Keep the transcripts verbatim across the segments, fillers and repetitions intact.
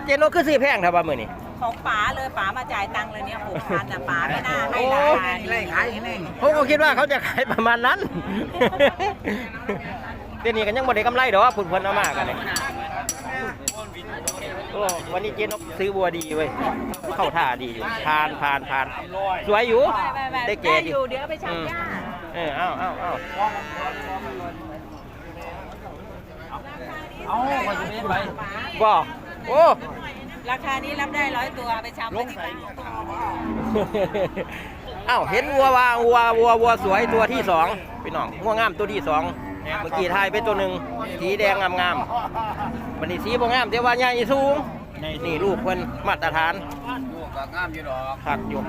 เจนกคือซื้อแพงครับว่ามื้อนี้ของป๋าเลยป๋ามาจ่ายตังค์เลยเนี่ยหกพันแต่ป๋าไม่น่าให้ราคาดีขายให้แน่งผมก็คิดว่าเขาจะขายประมาณนั้นเดี๋ยวนี้กันยังบ่ได้กำไรดอกผุนเพิ่นเอามากันเลยโอ้วันนี้เจนกซื้อบัวดีเว้ยเข้าท่าดีอยู่ผ่านผ่านผ่านสวยอยู่ได้เก๋ได้ดีอยู่เดี๋ยวไปชักหญ้าเออเอาเอาเอาเอาไปจะไม่ไปบ่โอ้ราคานี้รับได้ร้อยตัวไปชำไว้ที่บ้านเอ้าเห็นวัวว่าวัววัววัวสวยตัวที่สองพี่น้องวัวงามตัวที่สองเมื่อกี้ทายเป็นตัวหนึ่งสีแดงงามงามๆวันนี้สีบ่งามแต่ว่าใหญ่สูงนี่ลูกเพิ่นมาตรฐานลูกก็งามอยู่ดอกผักอยู่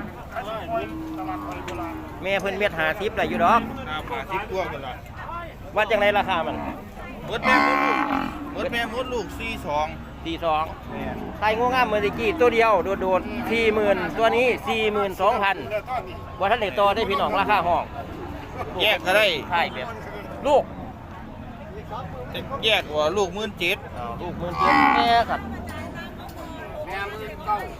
แม่เพิ่นเม็ดหาทิพย์ได้อยู่ดอกน้ำมาสิบตัวกันละวัดจังไดราคามันมดแม่มดลูกมดแม่มดลูกสี่สองสี่สองไทยงูงามเมื่อกี้ตัวเดียวโดดๆสี่หมื่นตัวนี้สี่หมื่นสองพันว่าท่านเด็กโตได้พี่น้องราคาห้องแยกก็ได้ใช่แบบลูกแยกว่าลูกหมื่นเจ็ดอ้าวลูกหมื่นเจ็ดแม่ครับแม่มือเก้า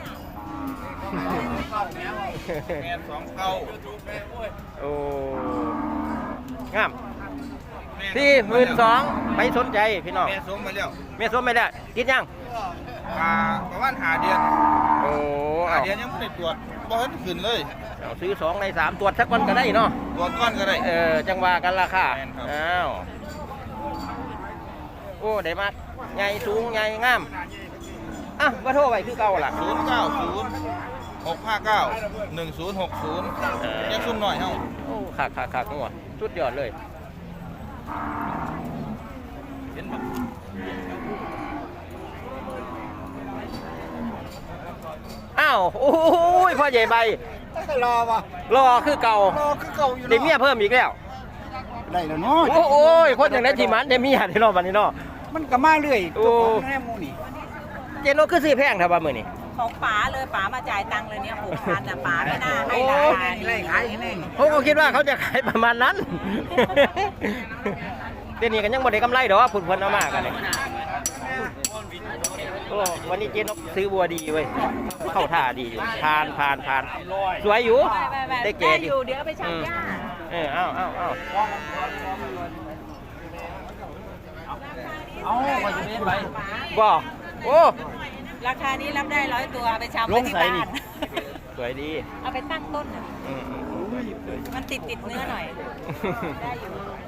แม่สองเก้าโอ้งามสี่หมื่นสองไปสนใจพี่น้องแม่สมมาแล้วแม่สมไม่ได้กินยังอ่าประมาณหาเดือนโอ้หาเอาเดือนยังไม่ได้ตรวจบ่เห็นขึ้นเลยเอาซื้อสองในสามตรวจสักวันก็ได้เนาะตรวจก้อนก็ได้เออจังว่ากันราคาแม่นครับอ้าวโอ้ได้มากใหญ่สูงใหญ่งามอ่ะว่าโทรไปคือเก่าล่ะศูนย์เก้าศูนย์หกห้าเก้าหนึ่งศูนย์หกศูนย์ยังซุ่มหน่อยเฮ้าโอ้ขาดขาดขาดหัวสุดยอดเลยเห็นบ่อ้าวโอ้ยพ่อใหญ่ใบรอวะรอคือเก่ารอคือเก่าอยู่ได้เมียเพิ่มอีกแล้วได้แล้วเนาะโอ้โอ้ยคนอย่างนั้นที่มันได้เมียได้รอบวันนี้เนาะมันก็มาเรื่อยโอ้แม่มูนี่เจนกคือซื้อแพงครับว่ามื้อนี้ของป๋าเลยป๋ามาจ่ายตังค์เลยเนี่ยหกพันแต่ป๋าไม่น่าให้ราคาดีขายให้แน่งผมก็คิดว่าเขาจะขายประมาณนั้นเดี๋ยวนี้กันยังบ่ได้กำไรดอกผุนเพิ่นเอามากันเลยโอ้วันนี้เจนกซื้อบัวดีเว้ยเข้าท่าดีอยู่ผ่านผ่านผ่านสวยอยู่ได้เก๋ได้ดีอยู่เดี๋ยวไปชักหญ้าเออเอาเอาเอาเอาไปจะไม่ไปบ่โอ้ราคานี้รับได้ร้อยตัวไปชำไว้ที่บ้านสวยดีเอาไปตั้งต้นน่ะอืมอืมอืมมันติดติดเนื้อหน่อย ได้อยู่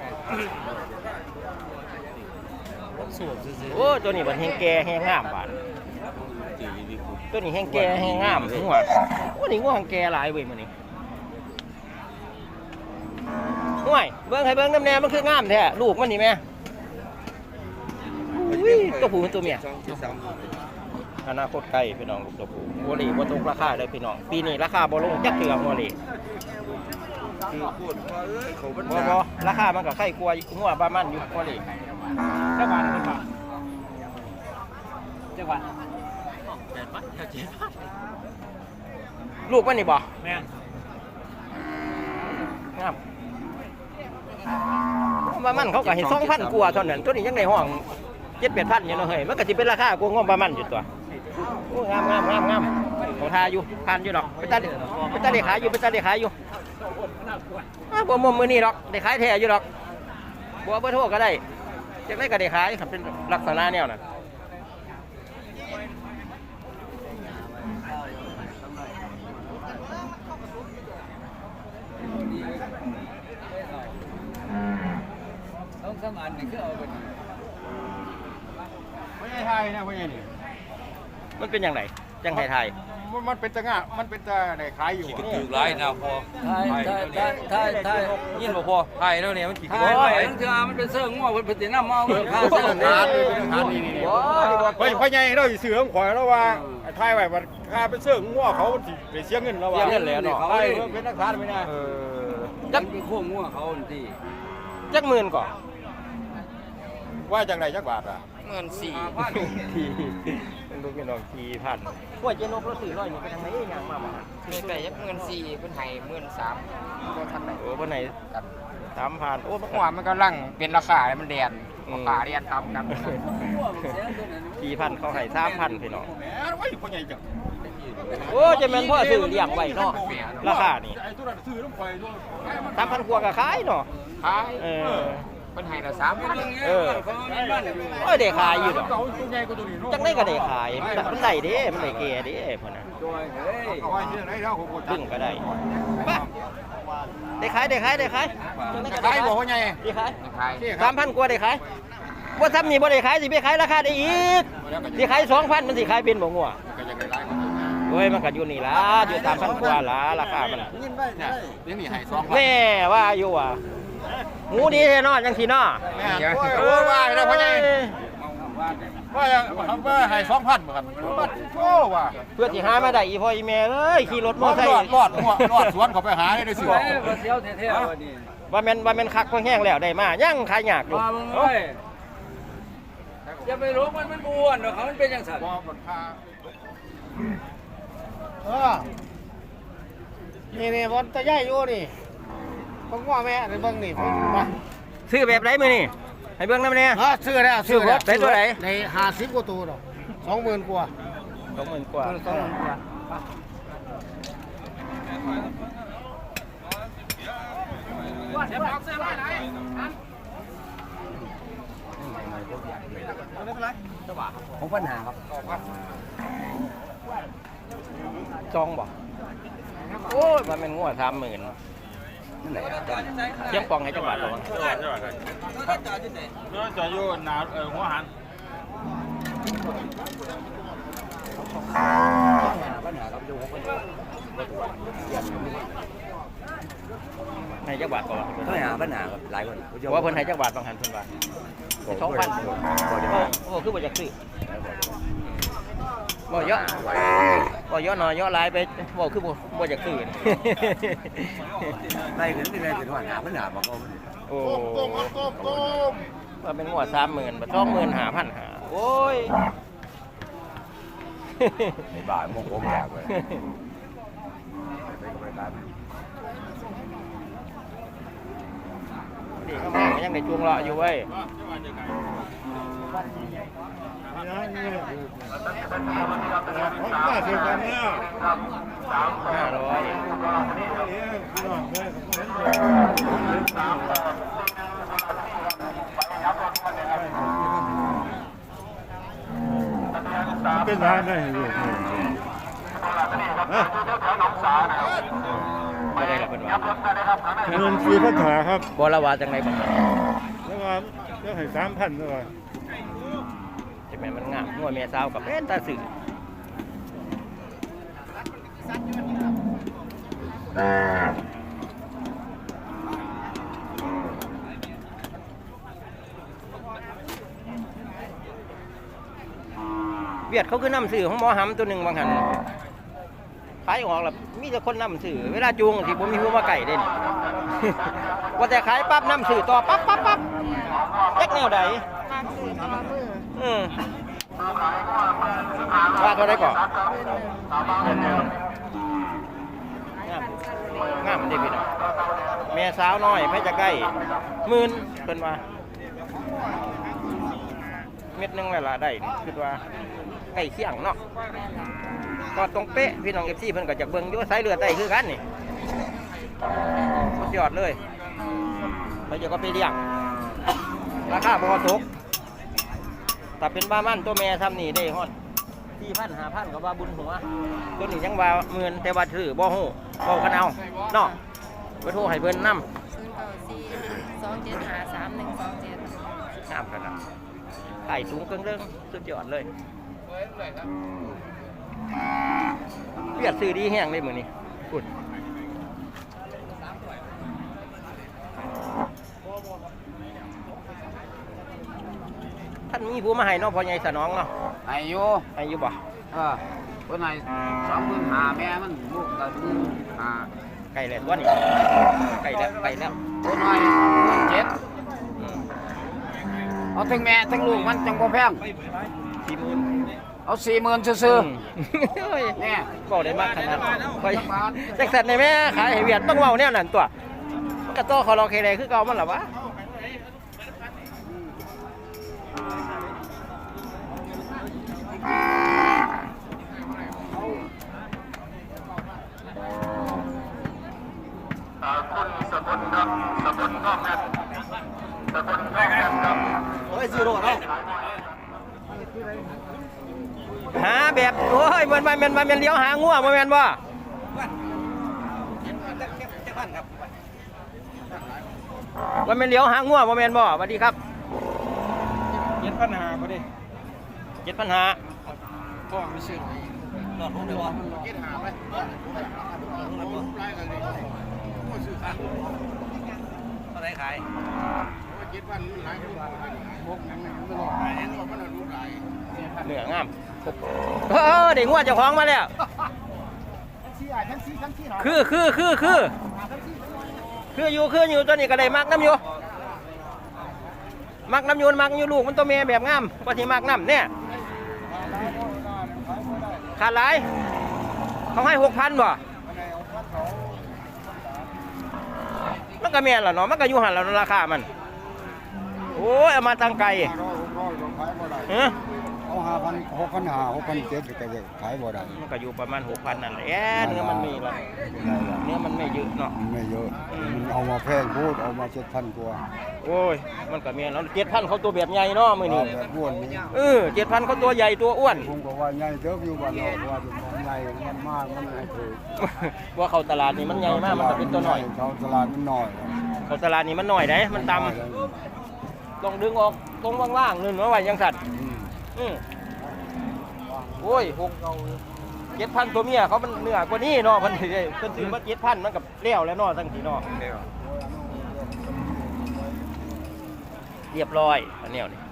โอ้ตัวนี้มันแห้งแก่แห้งงามบาดตัวนี้แห้งแก่แห้งงามถึงว่าโอ้นี่ง่วงแก่หลายเว้ยมื้อนี้ห่วยเบิ่งให้เบิ่งน้ำแน่มันคืองามแท้ลูกมันนี่แม่อุ้ยตัวผู้ตัวเมียอนาคตไกลพี่น้องลูกตัวผู้หัวหลีบ่ตกราคาเลยพี่น้องปีนี้ราคาบ่ลงจักเทื่อหัวหลีคือพูดว่าเอ้ยเขาบรรบ่ดาบ่ราคามันก็ไข่กลัวอยู่หัวประมาณอยู่หัวหลีจักบาทเป็นบาทจักบาทแปดบาทเจ็ดบาทลูกมันนี่บ่แม่นงามว่ามันเขาก็ให้สองพันกว่าเท่านั้นตัวนี้ยังในห้องเจ็ดแปดพันอยู่เนาะเฮ้ยมันก็สิเป็นราคากว่างบประมาณอยู่ตัวโอ้งามงามงามงามเขาทาอยู่ผ่านอยู่ดอกไปตาไปตาเด็ขายอยู่ไปตาเด็ขายอยู่อ้าวบ่มุมมือนี่ดอกได้ขายแท้อยู่ดอกบัวเบอร์โทรก็ได้จะได้ก็ได้ขายครับเป็นลักษณะแนวน่ะต้องสมานนี่คือเอาไปไม่ใช่ไทยนะไม่ใช่นี่มันเป็นอย่างไรจังไทยไทยมันมันเป็นตะงะมันเป็นตะไหนขายอยู่อะถือร้ายนะพอไทยไทยไทยไทยไทยยินบ่พอไทยแล้วเนี่ยมันขี่ไทโอ้ยยทั้งเทือมันเป็นเสื้อง้อเป็นติน้ำเมาเป็นข้าวโอ้เสื้อโหขาดทานนี่นี่นี่เพราะเพราะไงเราสิเสือของข่อยแล้วว่าไอ้ไทยไว้ว่าค่าเป็นเสื้องัวเขาสิไปเสียเงินแล้วว่าเสียเงินแล้วเนาะไทยเป็นนักทานไม่ได้เออจัจักกเป็นขั้วง้อเขาที่จักหมื่นก่อนว่าจังไรจักบาทอ่ะเงินสี่ทีลูกพี่น้องทีพันว่าเจนกเราสี่ร้อยนี่ไปทางไหนยังมาบ่เงินไก่ยักเงินสี่เป็นไห้เงินสามก็ทันไหนโอ้วันไหนสามพันโอ้มันหัวมันกำลังเป็นราคามันแดนราคาเรียนต่ำกันสี่พันเขาให้สามพันพี่น้องแหมไว้พ่อใหญ่จังโอ้จะเป็นพ่อซื้อเลี้ยงไว้เนาะราคานี่ไอ้ตัวนั้นซื้อต้องคอยด้วยสามพันกว่าก็ขายเนาะขายเออเป็นไห้ละสามพันเออโอ้ยได้ขายอยู่ดอกตัวใหญ่กว่าตัวนี้จังได้ก็ได้ขายมันมันได้เด้มันได้แก่เด้พ่นน่ะเอาไว้ที่ไหนแล้วผมดึงก็ได้ไปได้ขายได้ขายได้ขายจังได้ก็ขายบ่พ่อใหญ่ได้ขายขายสามพันกว่าได้ขายว่าซ้ำนี่บ่ได้ขายสิไปขายราคาได้อีกสิขายสองพันมันสิขายเป็นบ่งัวก็ยังได้หลายกว่าตัวโอ้ยมันก็อยู่นี่ล่ะอยู่สามพันกว่าล่ะราคามันน่ะเนี่ยเดี๋ยวนี้ให้สองพันแม่ว่าอยู่อ่ะหมูดีแท้เนาะจังซี่เนาะแม่โอ้ว่าแล้วพ่อใหญ่ว่าว่าให้สองพันเหมือนกันโอ้ว่าเพื่อสิหามาได้อีพ่ออีแม่เอ้ยขี่รถมอรอไซดค์รอดรอดรอดสวนเขาไปหาได้เสือเสียวแท้ๆวันนี้ว่าแม่นว่าแม่นคักพอแห้งแล้วได้มายังขายยากอยู่มาเบิ่งเลยอย่าไปรู้มันมันบ้วนหรอกเขามันเป็นจังซั่นบ่มันพาเออนี่นี่บอลตะย่ายอยู่นี่ผมว่าแม่ในเบิ้งนี่ผมมาซื้อแบบไหนมื้อนี่ให้เบิ่งนำแน่ฮะซื้อแล้วซื้อแล้วได้ตัวไหนในห้าสิบกว่าตัวดอกสองหมื่นกว่าสองหมื่นกว่าสองหมื่นกว่าของปัญหาครับจองบ่โอ้ยว่าแม่นงัวสามหมื่นเทียบปองให้จังหวัดบ่จอดอยู่หนาเออหัวหันให้จังหวัดบ่วะปัญหาปัญหาครับหลายคนว่าเพิ่นให้จังหวัดบางหันเพิ่นว่าสองพันโอ้คือบ่อยากซื้อบ่เยอะบ่เยอะหน่อยเยอะหลายไปบ่คือบ่บ่อยากซื้อไล่ขึ้นไปเลยเป็นปัญหาปัญหาบ่ก็โอ้ต้มต้มต้มว่าเป็นหัวสามหมื่นบัดสองหมื่นหาพันหาโอ้ยบ่ายโมงผมอยากเลยนี่ก็แม่งยังได้จูงเลาะอยู่เว้ยห้าร้อยเป็นร้านได้อยู่ไม่ได้หรอกเป็นว่าเงินซื้อพันหาครับบอละวาจังไรบ้างแล้วก็เรื่องให้สามพันแล้วก็จะเป็นมันงามหัวเมียสาวกับเป็นตาสื่อเวียดเขาคือนำสื่อของหมอหำตัวหนึ่งบางหันขายออกแล้วมีแต่คนนำสื่อเวลาจูงที่ผมมีหัวมาไก่เด่น ว่าแต่ขายปั๊บนำสื่อต่อปั๊บปั๊บปั๊บแยกแนวใดอืมว่าเท่าไรก่อนงามงามดีพี่น้องแม่สาวน้อยไม่จะใกล้หมื่นเป็นว่าเม็ดหนึงเวลาได้คือว่าใกล้เคียงเนาะก็ตรงเป๊ะพี่น้องเอฟซีเพิ่นก็จะเบิ่งอยู่สายเลือดได้คือกันนี่สุดยอดเลยไปเดี๋ยวก็ไปเลี้ยงราคาบ่ตกแต่เป็นบ้ามั่นตัวแม่ทำนี่ได้ฮอดสี่พันห้าพันก็ว่าบุญหัวตัวนี้ยังว่าหมื่นแต่ว่าถือบ่ฮู้เว้ากันเอาเนาะไปโทรให้เพิ่นนำศูนย์เก้าสี่สองเจ็ดห้าสามหนึ่งสองเจ็ดงามขนาดไข่สูงเกินเรื่องสุดยอดเลยเปียดซื้อดีแห้งเลยมือนี้กุดท่านมีผู้มาให้เน้องพ่อใหญ่สนองเนาะอายุอายุบ่เออคนไหนสองหมื่นหาแม่มันลูกกันหมื่นหาไก่แล้วตัวนี้ไก่แล้วไก่แล้วคนไหนหมื่นเจ็ดอืมเอาทั้งแม่ทั้งลูกมันจังบ่แพงสี่หมื่นเอาสี่หมื่นซื่อเฮ้ยๆเนี่ยก็ได้มากขนาดคอยแจ็คสันในแม่ขายให้เวียดต้องเว้าแนวนั้นตัวมันก็โตคอรอเคเลยคือเก่ามันหรอวะคนสกุลครับสกุลนอกแม่สกุลนอกแม่ครับโอ้ยซีโร่เนาะหาแบบโอ้ยมันมันมันมันเลี้ยวหางัวมันแม่นบ่มันเป็นเลี้ยวหางัวมันแม่นบ่สวัสดีครับเจ็ดพันหาพอดีเจ็ดปัญหาพ่อไม่ซื้อหลอดรู้เลยว่าเจ็ดหาไปอะไรขายเจ็ดพันหลายพวกนั้นไม่หลอกขายนั่นว่ามันรู้หลายเหนืองามเออเด็กงัวเจ้าของมาแล้วคือคือคือคือคืออยู่คืออยู่ตัวนี้ก็ได้มักน้ำอยู่มักน้ำยูนมักอยู่ลูกมันตัวเมียแบบงามกว่าที่มักน้ำเนี่ยขาดหลายเขาให้หกพันบ่มันก็เมียนล่ะเนาะมันก็อยู่หันแล้วราคามันโอ้ยเอามาตั้งไกลเออเอาห้าพันหกพันห้าหกพันเจ็ดก็จะขายบ่ได้มันก็อยู่ประมาณหกพันนั่นแหละเนื้อมันมีละเนื้อมันไม่เยอะเนาะไม่เยอะมันเอามาแพงพูดเอามาเจ็ดพันกว่าโอ้ยมันก็เมียนแล้วเจ็ดพันเขาตัวแบบใหญ่เนาะมือนี้แบบอ้วนนี่เออเจ็ดพันเขาตัวใหญ่ตัวอ้วนผมก็ว่าใหญ่เติบอยู่บ้านนอกว่าจะมองใหญ่มันมากมันไม่ถูกว่าเขาตลาดนี่มันใหญ่มากมันก็เป็นตัวหน่อยเขาตลาดมันน้อยเขาตลาดนี่มันหน่อยได้มันต่ำต้องดึงออกตรงว่างๆนึงว่าไว้ยังสัตว์อืมโอ้ยหกเจ็ดพันตัวเมียเขามันเหนือกว่านี้เนาะมันถือเพิ่นถือว่าเจ็ดพันมันกับเลี้ยวแล้วเนาะทั้งทีเนาะเรียบร้อยอันเนี้ยนี่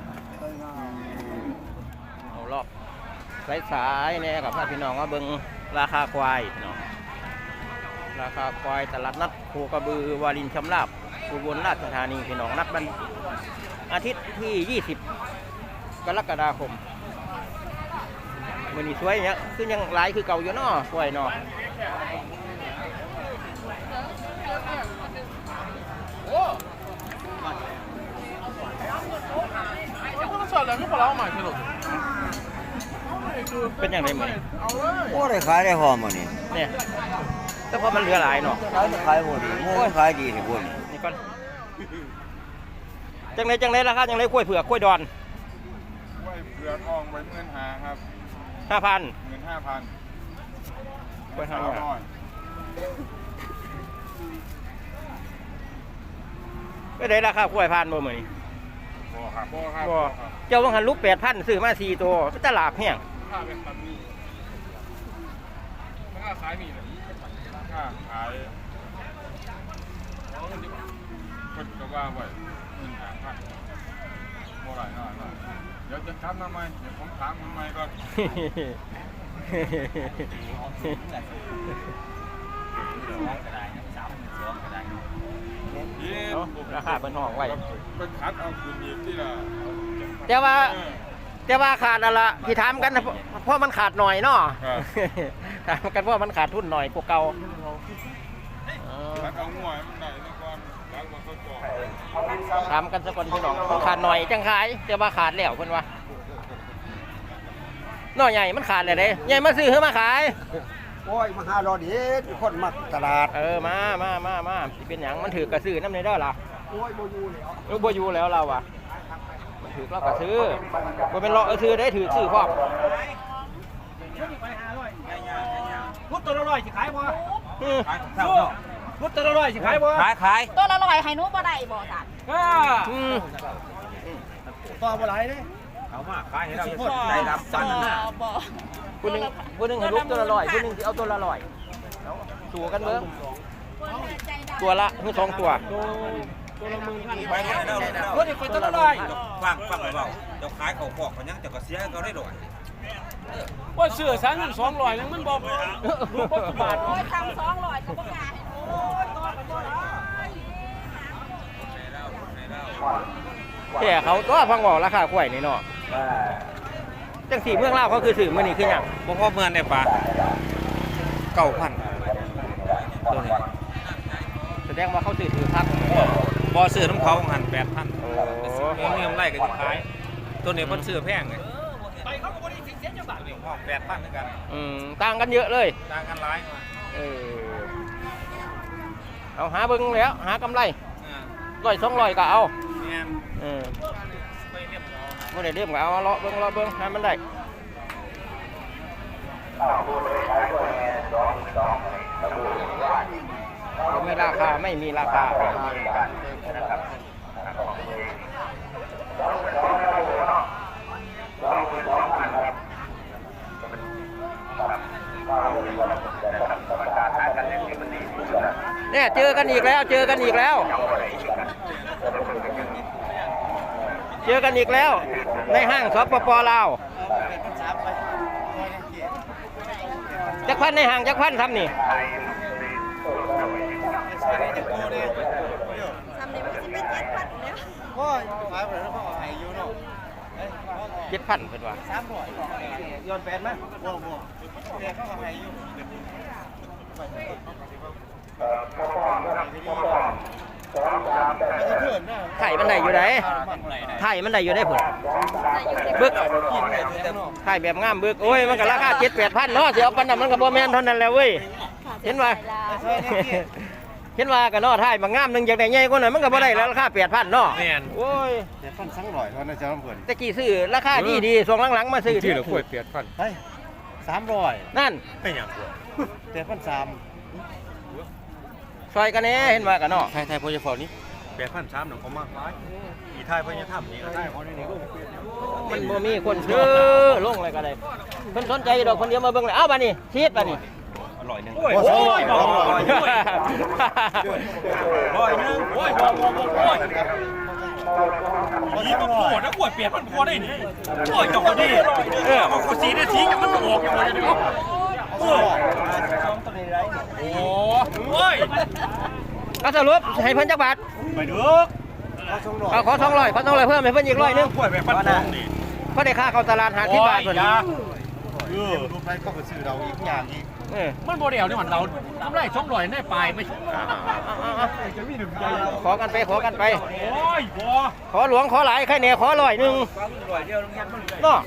เอารอบสายๆเนี่ยกับพี่น้องว่าเบิ่งราคาควายเนาะราคาควายตลาดนัดโคกระบือวารินชำราบอุบลราชธานีพี่น้องนัดวันอาทิตย์ที่ยี่สิบกรกฎาคมมันนี่สวยเนี่ยคือยังหลายคือเก่าอยู่เนาะสวยเนาะเป็นอย่างไรมั้ยโอ้ได้ขายได้หอมอ่ะนี่เนี่ยแต่พอมันเหลือหลายเนาะขายขายหมดดิโอ้ยขายดีที่พุ่นนี่ก่อนจังไรจังไรราคาจังไรกล้วยเผือกกล้วยดอนไว้เผือกอ่องไว้เงินหาครับห้าพันเงินห้าพันกล้วยห้าสาวพันน้อยก็ได้ราคากล้วยพันบ่เหมือนบ่ครับบ่ครับบ่เจ้าต้องหันลูกแปดพันซื้อมาสี่ตัวเป็นตลาดแห้งค่าเป็นแบบนี้มันก็ขายมีเลยค่าขายคนก็ว่าไว้เงินหาพันบ่หลายหน่อยหน่อยเดี๋ยวจะถามทำไมเดี๋ยวผมถามทำไมก่อนราคาเป็นห้องไว้เป็นคัดเอาคืนอีกที่ละแต่ว่าแต่ว่าขาดอะไรที่ถามกันนะเพราะเพราะมันขาดหน่อยเนาะถามกันเพราะมันขาดทุนหน่อยพวกเก่าคัดเอาง่วยมันได้ซะก่อนล้างมันซะก่อนถามกันสักคนพี่น้องขาดหน่อยจังขายแต่ว่าขาดแล้วเพิ่นว่าน้อยใหญ่มันขาดเลยเด้ใหญ่มาซื้อเฮือมาขายโอ้ยมาหารอดีคนมักตลาดเออมามามามาสิเป็นหยังมันถือกระซื้อน้ำในเด้อล่ะโอ้ยโบยูแล้วเออบ่อยู่แล้วเราอ่ะมันถือเราก็ซื้อบ่เป็นเลาะเออซื้อได้ถือซื้อพร้อมพุทธตัวละร้อยสิขายบ่อืมพุทธตัวละร้อยสิขายบ่ขายขายตัวละร้อยให้หนูบ่ได้บ่จ้ะอืมต่อบ่หลายเด้เอามาขายให้เราได้รับปันน่ะบ่ผู้หนึงผู้หนึงให้ลูกตัวละร้อยผู้หนึงสิเอาตัวละร้อยเอาสู้กันเบิ่งตัวละคือสองตัวไปให้เราพุทธคนตัวละร้อยฟังฟังเบาเจ้าขายเขาพอกเขายังเจ้าก็เสียเขาได้ดอกว่าเสื้อสันสองร้อยนึงมันบ่ลูกบ่บาทโอ้ยทำสองร้อยก็บ่กล้าให้โอ้ยตัวก็บ่ได้แต่เขาตัวฟังบอกราคากล้วยนี่เนาะจังสีเมืองลาวเขาคือสื่อมื้อนี้คือหยังบ่พอเมือนได้ปลาเก้าพันตัวนี้แสดงว่าเขาซื้อถือครับบ่ซื้อน้ำเขาหันแปดพันมีกำไรก็จะขายตัวนี้เพิ่นซื้อแพงไงไปเขาก็บ่ได้สิเสียจังบาทนี่ห้องแปดพันเหมือนกันอืมต่างกันเยอะเลยต่างกันหลายมาเออเอาหาเบิ่งแล้วหากำไรอ่าร้อยสองร้อยก็เอาแม่นเออไปเรียบร้อยบ่ได้เรียมก็เอาเลาะเบิ่งเลาะเบิ่งหามันได้มีราคาไม่มีราคาเนี่ยเจอกันอีกแล้วเจอกันอีกแล้วเจอกันอีกแล้วในห้างสปปลาวจักพันในห้างจักพันทำนี่ทำนี่มันสิเป็นเจ็ดพันแล้วพ่อขายไปแล้วพ่อให้อยู่เนาะเจ็ดพันเป็นว่าสามร้อยย้อนแปดไหมบ่บ่แต่เขาก็ให้อยู่ไข่มันได้อยู่ไหนไข่มันได้อยู่ได้ผลบึกไข่แบบงามบึกโอ้ยมันก็ราคาเจ็ดแปดพันเนาะเสียเอาปันนั้นมันก็บ่แม่นเท่านั้นแหละเว้ยเห็นว่าเห็นว่ากันเนาะไข่บางงามหนึงจากได้ใหญ่กว่านั้นมันก็บ่ได้แล้วราคาแปดพันเนาะแม่นโอ้ยแต่ฟันสังร้อยเท่านั้นจะเพิ่นตะกี้ซื้อราคาดีดีๆช่วงหลังๆมาซื้อที่เหลือขวดแปดพันเฮ้ยสามร้อยนั่นเป็นหยังแต่ฟันสามซอยกันแน่เห็นว่ากันเนาะไทยไทยพอจะฟอนี่แปดพันสามหนึ่งเขามากร้ายอีไทยพอจะทำนี่ก็ได้เขาในนี้ก็มันบ่มีคนซื้อลงอะไรก็ได้เพิ่นสนใจดอกคนเดียวมาเบิ่งเลยเอ้าบัดนี้ชีดบัดนี้อร่อยหนึ่งโอ้ยโอ้ยบ่บ่โอ้ยร้อยนึงโอ้ยบ่บ่บ่โอ้ยนี่มันปวดนะปวดเปลี่ยนมันพอได้นี่โอ้ยจังหวะนี้เออมันก็สีนาทีจะมันออกอย่างไรเนาะโอ้ยโอ้ยก็สรุปให้เพิ่นจักบาทไปเด้อเอาขอสองร้อยขอสองร้อยเพิ่มให้เพิ่นอีกร้อยหนึงปวดแบบฟันทองนี่เพราะได้ค่าเข้าตลาดหาที่บาทเพิ่นเออรูปนั้นก็ไปซื้อเราอีกอย่างอีกเออมันโมเดลนี่มันเราทำไรช่องลอยได้ปลายไม่ขอกันไปขอกันไปโอ้ยบ่ขอหลวงขอหลายใครแหน่ขอร้อยหนึงเนาะ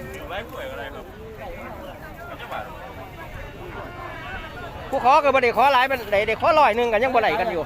ผู้ขอก็บ่ได้ขอหลายมันได้ได้ขอร้อยหนึงกันยังบ่ได้กันอยู่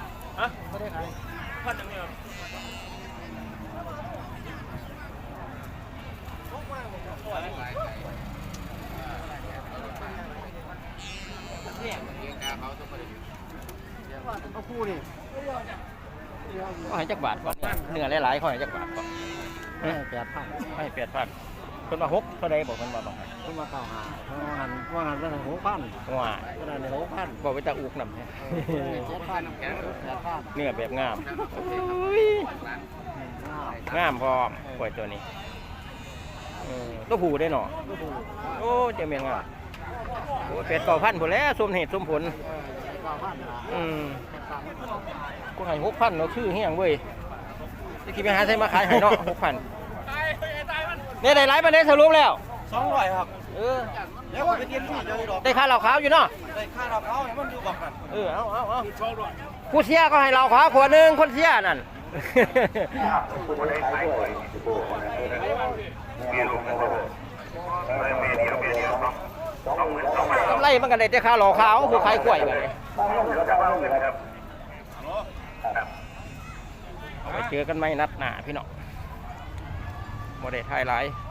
เอาคู่นี่ขอให้จักบาทก่อนเนื้อหลายๆขอให้จักบาทก่อนให้แปดพันให้แปดพันเพิ่นว่าหกเท่าใดบอกเพิ่นว่าบ่ให้ขึ้นมาเก้าหาว่าหันว่าหันเป็นหกพันว่าขนาดในหกพันบอกไปตาอุกนำเจ็ดพันแปดพันเนื้อแบบงามงามพร้อมกล้วยตัวนี้เออตัวผู้ได้เนาะโอ้เจ้าเมียงอ่ะโอ้เป็ดเก้าพันพุ่นแล้วสมเหตุสมผลอืมกูให้หกพันเนาะชื่อเฮียงเว้ยจะคิดไปหาใส่มาขายให้เนาะหกพันเนี่ยได้หลายประเด็นสรุปแล้วสองร้อยครับเออแล้วก็ไปเตรียมที่เจอดอกได้ค่าเหล่าขาวอยู่เนาะได้ค่าเราเขาให้มันอยู่บักกันเออเอาเอาเอาผู้เสียก็ให้เหล่าขาวขวดหนึ่งคนเสียนั่น กำไรมันกันได้แต่ค่าเหล่าขาวผู้ขายกล้วยไปเลยไปเจอกันไหมนัดหนาพี่น้องโมเดลไทยไลท์